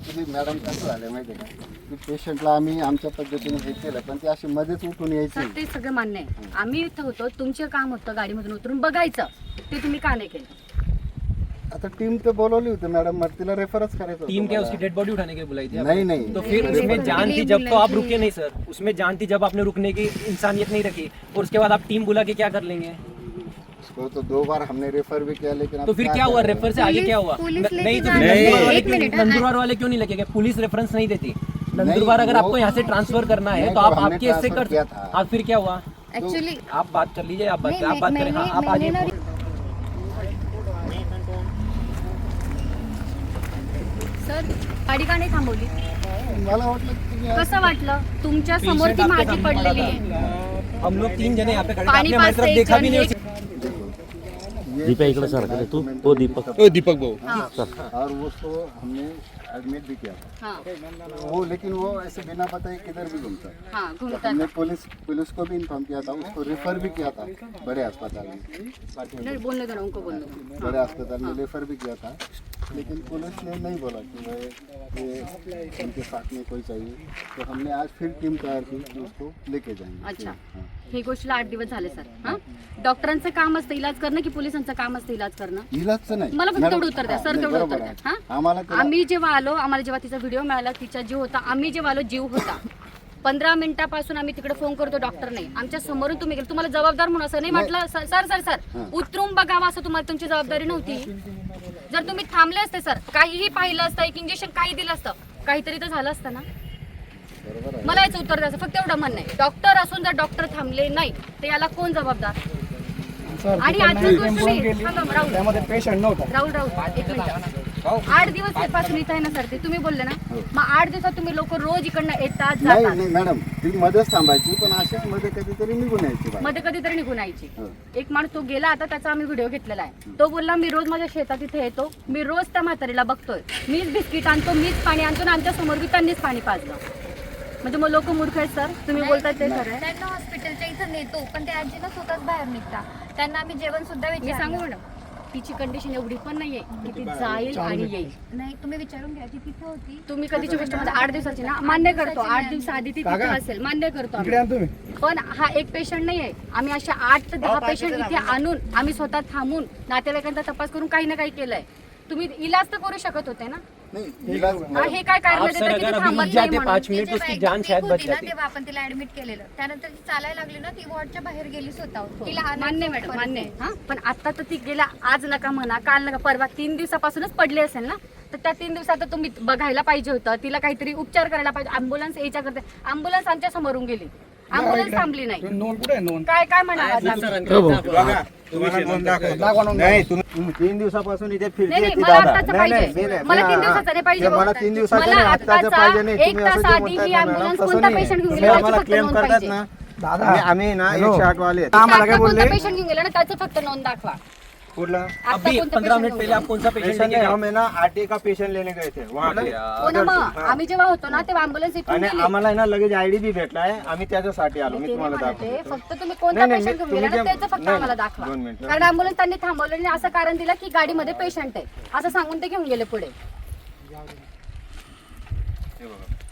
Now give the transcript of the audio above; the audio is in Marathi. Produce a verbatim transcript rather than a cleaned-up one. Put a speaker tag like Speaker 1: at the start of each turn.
Speaker 1: ॲक्च्युली मॅडम कसं झालं माहिती आहे का, की पेशंटला आम्ही आमच्या पद्धतीने हे केलं, पण ते अशी मध्येच उठून यायची.
Speaker 2: सर ते सगळं मान्य आहे. आम्ही इथं होतो, तुमचे काम होतं गाडीमधून उतरून बघायचं, ते तुम्ही का नाही केलं?
Speaker 1: आता टीम तर बोलवली होती मॅडम, मग तिला रेफरच करायचं.
Speaker 3: टीम क्या उसकी डेड बॉडी उठाने के लिए बुलाई थी?
Speaker 1: नहीं नहीं
Speaker 3: तो फिर उसमें जान थी जब तो आप रुके नहीं सर, उसमें जान थी जब आपने रुकने की इंसानियत नहीं रखी, और उसके बाद आप टीम बुला के क्या कर लेंगे?
Speaker 1: उसको तो दो बार हमने रेफर भी किया, लेकिन
Speaker 3: तो फिर क्या हुआ? रेफर से आगे क्या हुआ?
Speaker 2: पुलिस लेके
Speaker 3: नहीं तो
Speaker 2: जाने-
Speaker 3: नंदुरबार वाले
Speaker 2: एक
Speaker 3: क्यों-
Speaker 2: मिनट, हाँ।
Speaker 3: नंदुरबार वाले क्यों नहीं लेके गए? पुलिस रेफरेंस नहीं देती। नंदुरबार अगर
Speaker 1: वो-
Speaker 3: आपको यहाँ से ट्रांसफर करना है
Speaker 1: नहीं,
Speaker 3: तो
Speaker 1: तो
Speaker 3: आप
Speaker 1: हमने
Speaker 3: आपके हिस्से
Speaker 1: ट्रांसफर
Speaker 3: कर,
Speaker 1: किया था।
Speaker 3: आप फिर क्या हुआ?
Speaker 2: ऍक्च्युली
Speaker 3: आप बात कर लीजिए, आप बात
Speaker 2: नहीं,
Speaker 3: आप बात
Speaker 2: मैं-
Speaker 3: करें। हाँ,
Speaker 2: मैंने-
Speaker 3: आप आगे
Speaker 2: मैंने ना- सर गाडी का नाही थांबवली?
Speaker 1: मला वाटलं की तुम्ही आज-
Speaker 2: कसं वाटलं? तुमच्या समोर ती माझी पडलेली आहे.
Speaker 3: हम लोग तीन जने यहाँ पे खड़े थे,
Speaker 2: पानी
Speaker 3: आपने हमारी
Speaker 2: पास
Speaker 3: तरफ
Speaker 2: से
Speaker 3: देखा
Speaker 2: एक
Speaker 3: भी
Speaker 2: जन
Speaker 3: नहीं।
Speaker 2: एक-
Speaker 1: ये
Speaker 4: दीपक इकडे सारखं आहे तू तो दीपक
Speaker 5: ओ दीपक भाऊ
Speaker 2: हाँ
Speaker 1: और उसको हमने एडमिट भी किया था।
Speaker 2: हाँ
Speaker 1: वो लेकिन वो ऐसे बिना बताए किधर भी घूमता है।
Speaker 2: हाँ
Speaker 1: तो
Speaker 2: घूमता
Speaker 1: हमने पुलिस पुलिस को भी इन्फॉर्म किया था, उसको रेफर भी किया था बड़े अस्पताल में।
Speaker 2: नहीं, बोलने दो ना उनको, बोलने दो.
Speaker 1: बड़े अस्पताल में रेफर भी किया था, लेकिन पुलिस ने नहीं बोला कि भाई ये उनके साथ में कोई चाहिए। तो हमने आज फिर टीम तैयार की कि उसको लेके जाएंगे।
Speaker 2: अच्छा.
Speaker 1: हाँ.
Speaker 2: ही गोष्टीला आठ दिवस झाले सर. हां डॉक्टरांचं काम असतं इलाज करणं की पोलिसांचं काम असतं इलाज करणं?
Speaker 1: इलाजचं नाही.
Speaker 2: मला फक्त
Speaker 1: मॅडम,
Speaker 2: तेवढं उत्तर द्या
Speaker 1: हा,
Speaker 2: सर,
Speaker 1: नाही,
Speaker 2: तेवढं
Speaker 1: बरोबर
Speaker 2: उत्तर द्या.
Speaker 1: आहे.
Speaker 2: हां
Speaker 1: आम्हाला त्याला-
Speaker 2: आम्ही जेव्हा आलो, आम्हाला जेव्हा तिचा व्हिडिओ मिळाला, तिचा जीव होता, आम्ही जेव्हा आलो जीव होता. पंधरा मिनिटापासून आम्ही तिकडे फोन करतो, डॉक्टर नाही. आमच्या समोरून तुम्ही गेले, तुम्हाला जबाबदार म्हणून असं नाही म्हटलं? सर सर सर सर उतरून बघावं असं तुम्हाला तुमची जबाबदारी नव्हती? जर तुम्ही थांबले असते सर, काहीही पाहिलं असतं, एक इंजेक्शन काही दिलं असतं, काहीतरी तर झालं असतं ना.
Speaker 1: बरोबर आहे.
Speaker 2: मला याचं उत्तर द्यायचं, फक्त एवढं म्हणणं आहे. डॉक्टर असून जर डॉक्टर थांबले नाही तर याला कोण जबाबदर? आणि आजची गोष्ट नाही. थांबा, राहुल
Speaker 5: त्यामध्ये पेशंट नव्हता.
Speaker 2: राहुल राहुल एक मिनिट. आठ दिवस पासून इथं आहे ना सर, ते तुम्ही बोलले ना, मग आठ दिवसात तुम्ही लोक रोज इकडनं येतात
Speaker 1: नाही
Speaker 2: जातात,
Speaker 1: नाही मॅडम, ती मध्येच थांबायची, पण अशाच मध्ये कधीतरी निघून यायची बाहेर.
Speaker 2: मध्ये कधीतरी निघून यायची.
Speaker 1: हो.
Speaker 2: एक माणूस तो गेला, आता त्याचा आम्ही व्हिडिओ घेतलेला आहे. तो बोलला मी रोज माझ्या शेतात इथे येतो, मी रोज त्या म्हातारीला बघतोय, मीच बिस्किट आणतो, मीच पाणी आणतो, आणि आमच्या समोर बी त्यांनीच पाणी पाजलं. म्हणजे मग लोक मूर्ख आहेत सर, तुम्ही बोलताय ते खरं आहे?
Speaker 6: त्यांना हॉस्पिटलच्या इथं नेतो, पण ते आजी ना स्वतःच बाहेर निघता. त्यांना आम्ही जेवण सुद्धा
Speaker 2: मी
Speaker 6: विचारलं.
Speaker 2: सांगू मॅडम, तिची कंडिशन एवढी पण नाहीये की ती जाईल आणि येईल.
Speaker 6: नाही, तुम्ही विचारून घ्या, ती तिथे होती.
Speaker 2: तुम्ही कधीची गोष्ट म्हणजे आठ दिवसाची ना, मान्य करतो, आठ दिवस आधी ती तिथे असेल, मान्य करतो आम्ही.
Speaker 5: इकडे आण तुम्ही.
Speaker 2: पण हा एक पेशंट नाही आहे. आम्ही अशा आठ ते दहा पेशंट इथे आणून आम्ही स्वतः थांबून नातेवाईकांचा तपास करून काही ना काही केलंय. तुम्ही इलाज तर करू शकत होते ना.
Speaker 1: नाही, इलाज-
Speaker 2: हा, हे काय कारण
Speaker 3: आप
Speaker 2: देतात
Speaker 3: सर
Speaker 2: की
Speaker 3: अगर
Speaker 2: ते
Speaker 3: अभी
Speaker 2: थांबत
Speaker 3: रुक
Speaker 2: नाही
Speaker 3: जाते
Speaker 2: म्हणून?
Speaker 3: पाँच मिनट
Speaker 6: ती
Speaker 3: उसकी
Speaker 6: जेव्हा
Speaker 3: जान
Speaker 6: एक
Speaker 3: शायद
Speaker 6: week
Speaker 3: बच
Speaker 6: होती ना,
Speaker 3: जाती.
Speaker 6: तेव्हा आपण तिला ऍडमिट केलेलं. त्यानंतर ती चालायला लागली ना, ती वॉर्डच्या बाहेर गेली स्वतः. तिला आणायचं
Speaker 2: मान्य मॅडम,
Speaker 6: परत.
Speaker 2: मान्य आहे. हा, पण आता तर ती गेल्या, आज नका म्हणा, काल नका, परवा तीन दिवसापासूनच पडली असेल ना, तर त्या तीन दिवसात तुम्ही बघायला पाहिजे होतं, तिला काहीतरी उपचार करायला पाहिजे. अँब्युलन्स यायच्या करते, अँब्युलन्स आमच्या समोरून गेली, अँब्युलन्स थांबली नाही.
Speaker 5: नोंद कुठे आहे नोंद?
Speaker 2: काय काय म्हणाला
Speaker 7: बघा तुम्हाला नोंद दाखवतो. नाही तुम्ही तीन दिवसापासून इथे
Speaker 2: नाही
Speaker 7: फिरते
Speaker 2: नाही,
Speaker 7: ती
Speaker 2: मला
Speaker 7: दादा.
Speaker 2: आत्ताचं
Speaker 7: नाही, नाही,
Speaker 2: पाहिजे,
Speaker 7: नाही,
Speaker 2: मला
Speaker 7: नाही,
Speaker 2: तीन
Speaker 7: हा,
Speaker 2: दिवसाचं नाही पाहिजे.
Speaker 7: ते मला तीन दिवसाचं
Speaker 2: मला
Speaker 7: नाही, आत्ताचं पाहिजे नाही.
Speaker 2: एक
Speaker 7: तुम्ही असं
Speaker 2: तास
Speaker 7: जे
Speaker 2: आधी
Speaker 7: म्हणताय
Speaker 2: ही
Speaker 7: ना,
Speaker 2: ambulance
Speaker 7: मॅडम, तसं
Speaker 2: कोणता
Speaker 7: नाही.
Speaker 2: patient घेऊन
Speaker 7: तुम्ही
Speaker 2: गेला,
Speaker 7: आम्हाला
Speaker 2: त्याची फक्त
Speaker 7: क्लेम
Speaker 2: नोंद
Speaker 7: करतात
Speaker 2: पाहिजे.
Speaker 7: ना,
Speaker 5: दादा
Speaker 7: आम्ही- आम्ही ना
Speaker 5: हॅलो.
Speaker 7: एकशे आठ वाले आहेत.
Speaker 5: आम्हाला
Speaker 2: आता
Speaker 5: काय
Speaker 2: कोणता
Speaker 5: बोलले?
Speaker 2: पेशंट घेऊन गेला ना, त्याचं फक्त नोंद दाखवा.
Speaker 7: कुठला
Speaker 2: आता
Speaker 3: अभी
Speaker 2: कोणता
Speaker 3: पंद्रह
Speaker 2: patient
Speaker 3: मिनट
Speaker 2: घेऊन
Speaker 3: पहले
Speaker 2: गेला?
Speaker 3: आप कौन सा पेशेंट
Speaker 7: पेशंट
Speaker 3: लेके
Speaker 7: नाही,
Speaker 3: गए?
Speaker 7: हम है ना आरटी का पेशंट लेने गए थे वहाँ पे.
Speaker 2: हो ना, मग आम्ही जेव्हा होतो ना तेव्हा अँब्युलन्स इथून
Speaker 7: आणि
Speaker 2: गेली.
Speaker 7: आम्हाला आहे ना लगेच आयडी बी भेटला आहे. आम्ही त्याच्यासाठी आलो. मी
Speaker 2: ते
Speaker 7: तुम्हाला
Speaker 2: नाही म्हणते,
Speaker 7: दाखवतो.
Speaker 2: फक्त तुम्ही कोणता
Speaker 7: नाही, नाही,
Speaker 2: पेशंट घेऊन
Speaker 7: तुम्ही
Speaker 2: गेला ना,
Speaker 7: जे-
Speaker 2: त्याचं फक्त
Speaker 7: नाही,
Speaker 2: आम्हाला दाखवा.
Speaker 7: दोन मिनिटं.
Speaker 2: कारण अँब्युलन्स त्यांनी थांबवलं आणि असं कारण दिलं की गाडीमध्ये पेशंट आहे असं सांगून ते घेऊन गेले पुढे.
Speaker 7: हे बघा.